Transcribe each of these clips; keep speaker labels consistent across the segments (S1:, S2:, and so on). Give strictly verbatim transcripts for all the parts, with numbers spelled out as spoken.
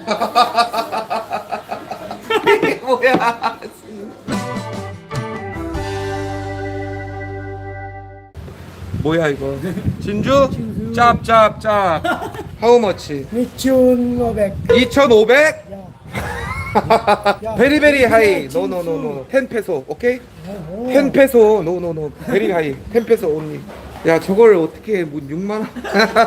S1: 이게 뭐야? 뭐야 이거? 진주? 짭짭짭. How much?
S2: 이천오백.
S1: 이천오백?
S2: 야.
S1: 베리 베리 하이. No no no no. 텐 페소. 오케이? 텐 페소. No no no. 베리 하이. 텐 페소 only. 야 저걸 어떻게 뭐 육만 원?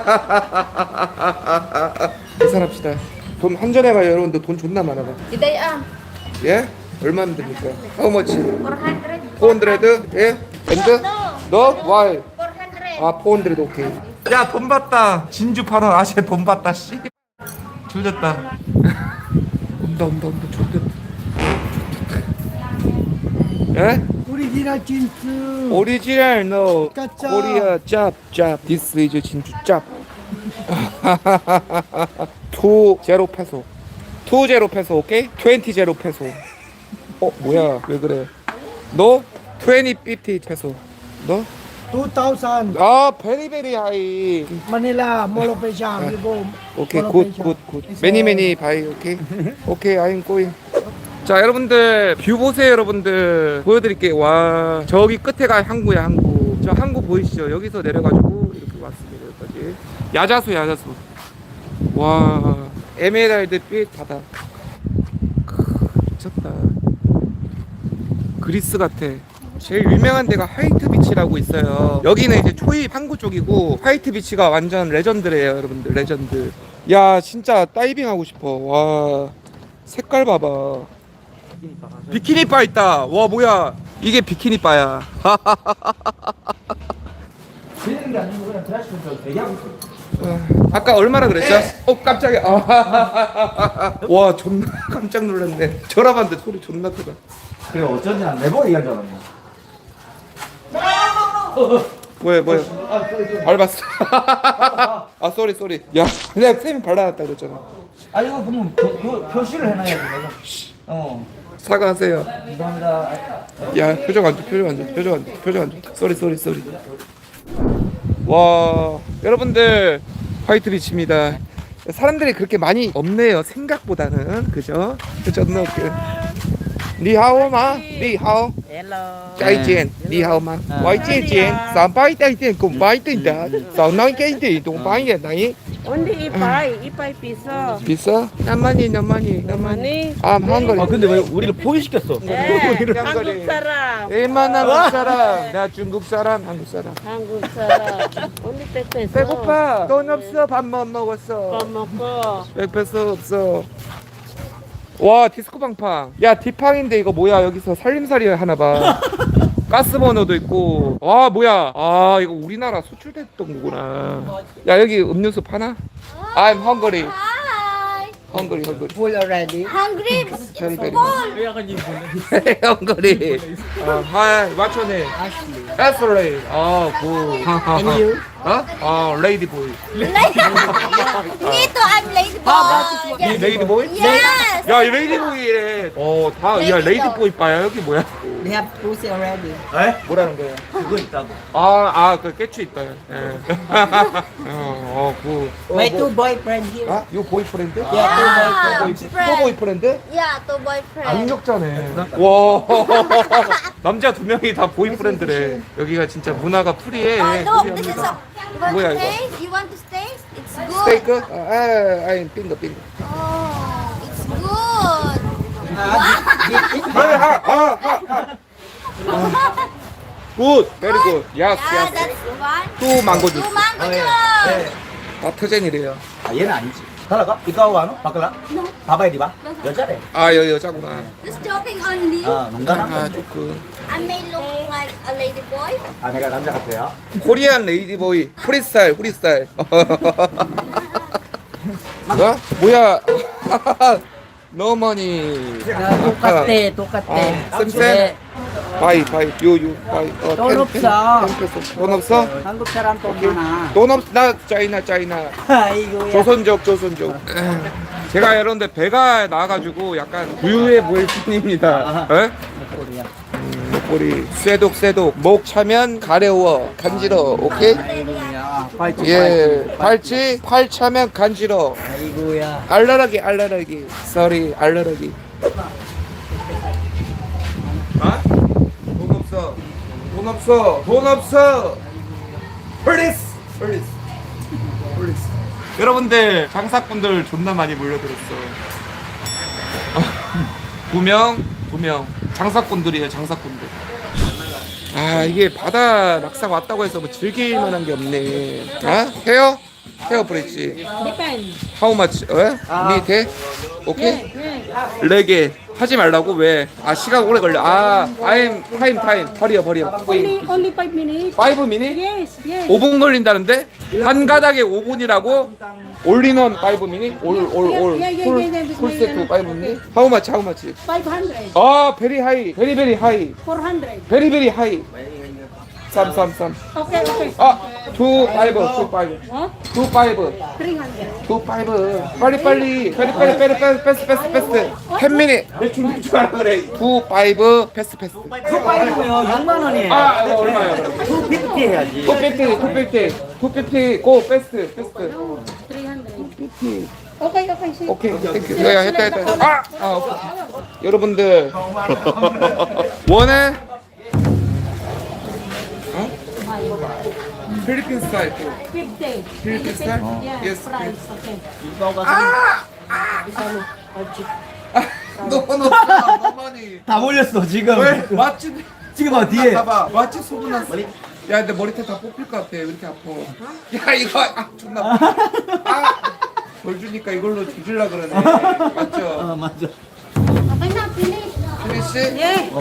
S1: 계산합시다. 돈 한전에 가요 여러분들. 돈 존나 많아.
S3: Di đây à?
S1: 예? 얼마면 됩니까? How much?
S3: four hundred.
S1: 사백? 예? 엔드? 너? Why?
S3: four hundred.
S1: 아, 사백 오케이. 야, 돈 받다. 진주 파는 아시아 돈 받다. 씨. 조졌다. 온다, 온다, 온다. 조졌다. 예?
S2: 오리지널 진수.
S1: 오리지널 no.
S2: 가짜.
S1: 코리아 짭 짭. This is 진주 짭. 투 제로 페소. 투 제로 페소 오케이? 이십 제로 페소. 어, 뭐야? 왜 그래? 너? 이십 오십 페소. 너?
S2: 이천.
S1: 아, 베리 베리 하이.
S2: Manila, Mall of Asia. You go.
S1: 오케이
S2: Mall of
S1: 굿
S2: Asia.
S1: 굿 굿 매니 매니 바이 오케이 오케이 아임 꼬잉. 자 여러분들 뷰 보세요. 여러분들 보여드릴게요. 와 저기 끝에가 항구야. 항구. 저 항구 보이시죠? 여기서 내려가지고 이렇게 왔습니다. 여기까지 야자수 야자수. 와 에메랄드빛 바다. 크, 미쳤다. 그리스 같아. 제일 유명한 데가 화이트 비치라고 있어요. 여기는 이제 초입 항구 쪽이고 화이트 비치가 완전 레전드래요. 여러분들 레전드. 야 진짜 다이빙 하고 싶어. 와 색깔 봐봐. 비키니 바 있다. 와 뭐야 이게 비키니 바야. 아까 얼마나 그랬죠? 어 깜짝이야. 와 존나 깜짝 놀랐네. 전화봤는데 소리 존나 크다.
S4: 그래 어쩐지 난 네번 얘기한 줄 알았네.
S1: 뭐야 뭐야 밟았어. 아 쏘리 쏘리. 야 그냥 쌤이 발라놨다 그랬잖아.
S4: 아 이거 그러면 그, 그 표시를 해놔야지 내가. 어.
S1: 사과하세요.
S4: 감사합니다.
S1: 야 표정 안 좋, 표정 안 좋, 표정 안 좋, 표정 안 좋. 쏘리 쏘리 쏘리. 와 여러분들 화이트 비치입니다. 사람들이 그렇게 많이 없네요. 생각보다는 그죠? 그죠? 그 니하오 마, 니하오.
S5: Hello.
S1: Chai chen, 니하오 마. Why chen chen? Sao bay tay tiền cùng bay tiền đã. Sao nói cái gì cũng bay vậy này?
S5: Only ipai, ipai piso.
S1: 비싸? 나만이 나만이 나만이.
S5: Money.
S1: 아 한거리.
S4: 아 근데 왜 우리를 포기시켰어?
S5: Eh,
S1: 이런
S5: 한국
S1: 거리.
S5: 사람.
S1: 일만 한국 사람. 나 중국 사람, 한국 사람.
S5: 한국 사람. Only 백 peso.
S1: 배고파. 돈 없어. 밥 못 먹었어.
S5: 밥 먹고.
S1: 백 페소 없어. 와 디스코 방팡. 야 디팡인데 이거 뭐야? 여기서 살림살이 하나 봐. 가스 버너도 있고. 와 뭐야? 아 이거 우리나라 수출됐던 거구나. 야 여기 음료수 파나? I'm hungry.
S3: Hi.
S1: hungry hungry.
S2: Full already.
S3: Hungry.
S1: Very very.
S3: Full.
S1: hungry. 아 hi. What's your name?
S2: Ashley.
S1: Ashley. 아 굿.
S2: And you?
S1: 어? 아 레이디 보이.
S3: Me too. I'm lady boy.
S1: 이 레이디 보이?
S3: Yes.
S1: 야, 이 레이디 보이래. 어, 다, 야, 레이디 보이 빠야. 여기 뭐야?
S2: They have pussy already.
S4: 에?
S1: 뭐라는 거야?
S4: 그거 있다고.
S1: 아, 아, 그 깨치 있다. 예. 어, 어, 그.
S2: My two boyfriend here.
S1: 아, 요 보이프렌드?
S2: Yeah, two boyfriend.
S1: 보이, 또 보이프렌드?
S3: Yeah, two boyfriend.
S1: 악력자네. 와, 남자 두 명이 다 보이프렌드래. 여기가 진짜 문화가 프리해.
S3: Oh, look, this is
S1: 프리합니다.
S3: a. You want
S1: 뭐야,
S3: to
S1: 이거?
S3: taste? You want to taste? It's good.
S1: 스테이크? 아, 아, 아니, 빙거, 빙거.
S3: Oh, it's good.
S1: 아, 아, 아, 아. 굿, 베리 굿. 야스,
S3: Yeah,
S1: 야스.
S3: that's one.
S1: 또 망고
S3: Two
S1: 주스.
S3: mango
S4: 네.
S3: juice.
S1: 마트젠이래요.
S4: 아 얘는 아니지. 달라가? 이거 와노? 바꿔라? 봐봐야 돼 봐. 여자래.
S1: 아, 여, 여자구나.
S3: Just joking only.
S4: 아 농담한
S1: 아,
S4: 거.
S1: 조금.
S3: I may look like a lady boy.
S4: 아 내가 남자 같아요.
S1: 코리안 레이디보이 프리스타일 프리스타일. 뭐야? 뭐야? No money.
S2: 똑같아, 똑같아.
S1: 아, 쌤쌤. 바이 바이 요요 바이. 어,
S2: 돈
S1: 텐,
S2: 없어.
S1: 텐, 텐 페소. 돈 없어?
S2: 한국 사람 돈 많아.
S1: 돈 없. 나 짜이나 짜이나.
S2: 아이고야.
S1: 조선족 조선족. 제가 여러분들 배가 나와가지고 약간 부유해 보일 뿐입니다. 에?
S2: 코리아.
S1: 목걸이 쇠독 쇠독 목 차면 가려워 간지러. 오케이?
S2: 아이고야.
S4: 팔찌.
S1: 예, 발치, 팔차면 간지러.
S2: 아이고야.
S1: 알라라기, 알라라기. Sorry, 알라라기. 아? 돈 없어. 돈 없어. 돈 없어. Please, please, please. 여러분들 장사꾼들 존나 많이 몰려들었어. 두 명, 두 명. 장사꾼들이에요, 장사꾼들. 아 이게 바다 낙상 왔다고 해서 뭐 즐길 만한 게 없네. 아 헤어? 헤어 브릿지.
S5: Depend.
S1: How much? 어? 밑에? 오케이? 레게 하지 말라고 왜? 아 시간 오래 걸려. 아 I'm time time 버려 버려.
S5: Only, only five minutes.
S1: five minute?
S5: Yes, yes.
S1: 오 분 걸린다는데? 한 가닥에 오 분이라고? 올리는 five minute? 올올올 풀 세트 five minute? How much? How much?
S5: five hundred.
S1: 아 very high, very very high,
S5: four hundred.
S1: very very high. 삼 삼 삼.
S5: Okay, okay.
S1: 아, two five, two five,
S5: What?
S1: two five,
S5: three hundred.
S1: two five. 빨리 빨리, 빨리 빨리 빨리 빨리 패스 패스 패스. ten minute. 대충 대충 하라 그래. two five, 패스 패스.
S4: 그거 빠이고요. 육만 원이에요.
S1: 아, 이거 얼마야?
S4: 투 피프티 해야지.
S1: two fifty, two fifty, two fifty. Go 패스 패스.
S5: three hundred. Okay, okay. See.
S1: 오케이, 땡큐. 야, 했다 했다. 아, 아, 오케이. 여러분들 원해? 어? 필리핀 스타일.
S5: fifty.
S1: 필리핀 스타일?
S5: Yeah,
S1: Yes.
S5: price. Okay.
S1: 너무 없어. 너무하니.
S4: 다 몰렸어 지금.
S1: 왜? 맛집
S4: 지금 봐 뒤에.
S1: 봐봐. 맛집 소문났어. 야, 근데 머리털 다 뽑힐 것 같아. 왜 이렇게 아파? 야, 이거 아 존나. 아, 벌 주니까 이걸로 뒤질라 그러네. 맞죠?
S4: 아 맞아.
S3: Okay na, finish.
S1: 피니시?
S5: Yeah.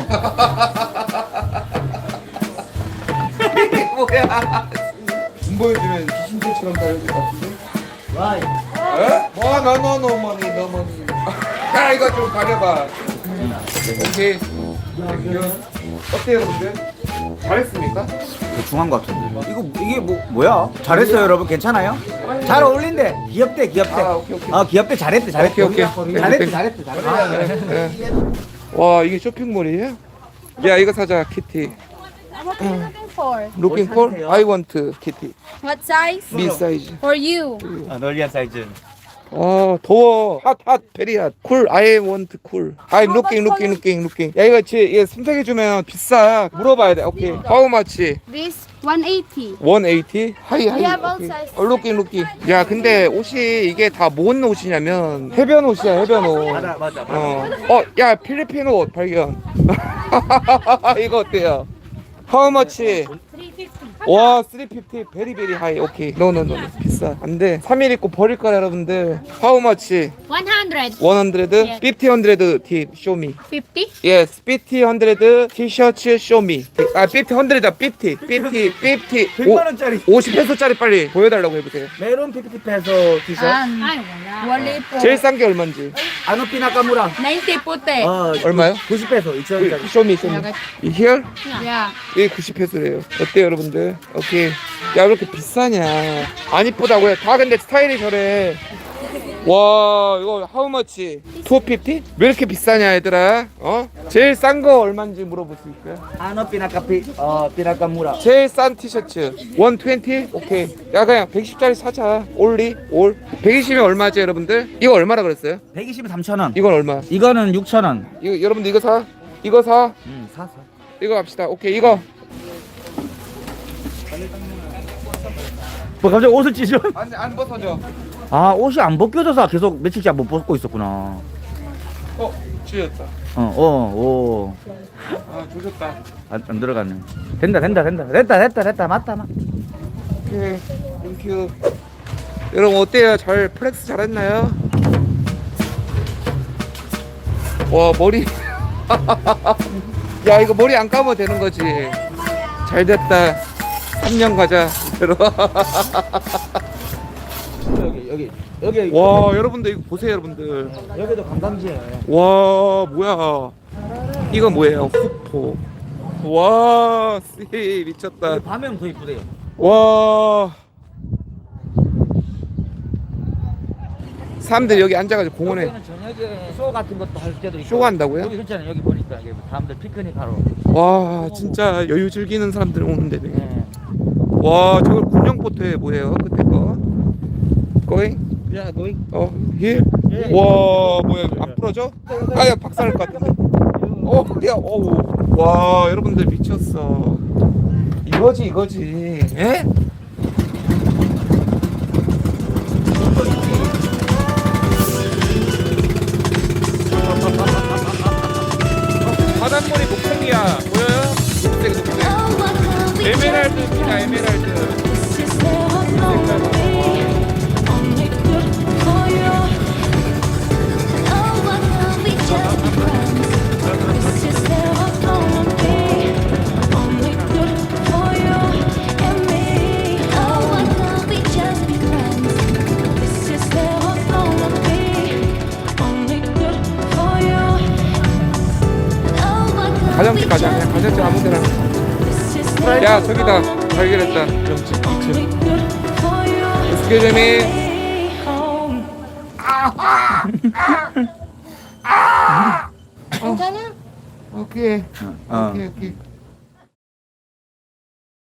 S1: 이게 뭐야? 돈 보여주면 귀신들처럼 다닐 것 같은데?
S4: 와이.
S1: 에? 뭐, 너, 너, 너, 머니, 너, 머니. 야, 이거 좀 가려봐. 오케이. 땡큐. 어때요, 여러분들? 잘했습니까?
S4: 중한 것 같은데. 이거 이게 뭐 뭐야? 잘했어요 여러분 괜찮아요? 잘 어울린대. 귀엽대 귀엽대.
S1: 아, 오케이, 오케이.
S4: 아 귀엽대 잘했대 잘했대.
S1: 오케이, 오케이.
S4: 잘했대 잘했대 잘했대.
S1: 예. 와, 이게 쇼핑몰이에요? 야, 이거 사자, 키티.
S3: What are you looking for?
S1: Looking for? I want kitty.
S3: What size?
S1: B size.
S3: For you.
S4: 아 널리한 사이즈.
S1: 어 더워. 핫, 핫, 베리 핫. 쿨. I want cool. I'm looking, looking, looking, looking. 야 이거 지 이거 선택해 주면 비싸. 물어봐야 돼. 오케이. How much?
S3: This one eighty.
S1: one eighty? 하이 하이.
S3: We have all
S1: 오케이.
S3: sizes.
S1: 어, looking, looking. 야 근데 옷이 이게 다 뭔 옷이냐면 해변 옷이야 해변 옷.
S4: 맞아 맞아.
S1: 어. 어, 야 필리핀 옷 발견. 이거 어때요? How much? 와, 삼백오십 베리 베리 하이. 오케이. 노노노. 비싸. 안 돼. 삼 일 입고 버릴 거야, 여러분들. How much?
S3: one hundred.
S1: one hundred? fifty hundred tip show me.
S3: fifty?
S1: Yes, fifty hundred 티셔츠 show me. 아, fifty hundred fifty. fifty fifty.
S4: 백만 원짜리.
S1: 오십 페소짜리 빨리 보여 달라고 해 보세요.
S4: 메론 피프티 페소 티셔츠.
S3: Um, wali po.
S1: 제일 싼 게 얼마인지.
S4: 아노피 나카무라.
S3: ninety puti.
S4: 어
S1: 얼마요?
S4: 구십 페소 이천 원짜리.
S1: show me, show me. Here?
S3: Yeah.
S1: 이게 구십 페소래요. 어때요, 여러분들? 오케이. 야, 왜 이렇게 비싸냐? 안 이쁘다고 해. 다 근데 스타일이 저래. 와, 이거 how much? 투피프티? 왜 이렇게 비싸냐, 얘들아? 어? 제일 싼 거 얼마인지 물어볼 수 있어요?
S4: 아노피 나카피 어 피나카무라.
S1: 제일 싼 티셔츠 백이십? 오케이. 야, 그냥 백이십짜리 사자. 올리? 올? 백이십이면 얼마지, 여러분들? 이거 얼마라 그랬어요?
S4: 백이십에 삼천 원.
S1: 이건 얼마?
S4: 이거는 육천 원.
S1: 이거 여러분들 이거 사? 이거 사?
S4: 음 사서.
S1: 이거 갑시다. 오케이, 이거.
S4: 뭐 갑자기 옷을 찢어?
S1: 안, 안 벗어져.
S4: 아 옷이 안 벗겨져서 계속 며칠째 못 벗고 있었구나.
S1: 어, 쥐었다.
S4: 어어오
S1: 아, 조졌다.
S4: 안, 안 들어갔네. 된다 된다 된다 됐다 됐다 됐다 맞다 맞.
S1: 오케이, 땡큐. 여러분 어때요? 잘 플렉스 잘했나요? 와 머리. 야 이거 머리 안 감아도 되는 거지. 잘 됐다. 삼 년 가자.
S4: 여기 여기 여기
S1: 와 여러분들 이거 보세요 여러분들.
S4: 여기도 관광지예요.
S1: 와 뭐야? 이거 뭐예요? 후포. 와 씨 미쳤다.
S4: 밤에는 더 이쁘대요.
S1: 와. 사람들 여기 앉아가지고 공원에
S4: 여기는 저녁에 쇼 같은 것도 할 때도 있고.
S1: 쇼 한다고요?
S4: 여기 그렇잖아요. 여기 보니까 여기 사람들 피크닉 하러.
S1: 와 진짜 여유 즐기는 사람들 오는 데네.
S4: 네.
S1: 와 저걸 군용보트에 뭐예요 끝에 거 going
S4: 야, 너희
S1: 어 here 와 뭐야 안 부러져 아야 박살날 것 같은데 어야 어우 와 여러분들 미쳤어 이거지 이거지 예? 바닷물이 목청이야 보여요? 녹색 녹색 에메랄드입니다 에메랄드 가정집 가자 그냥 가정집 아무데나 야 저기다 발견했다 명집 이층 Excuse me
S5: 괜찮아?
S1: 오케이
S4: 어.
S1: 오케이 오케이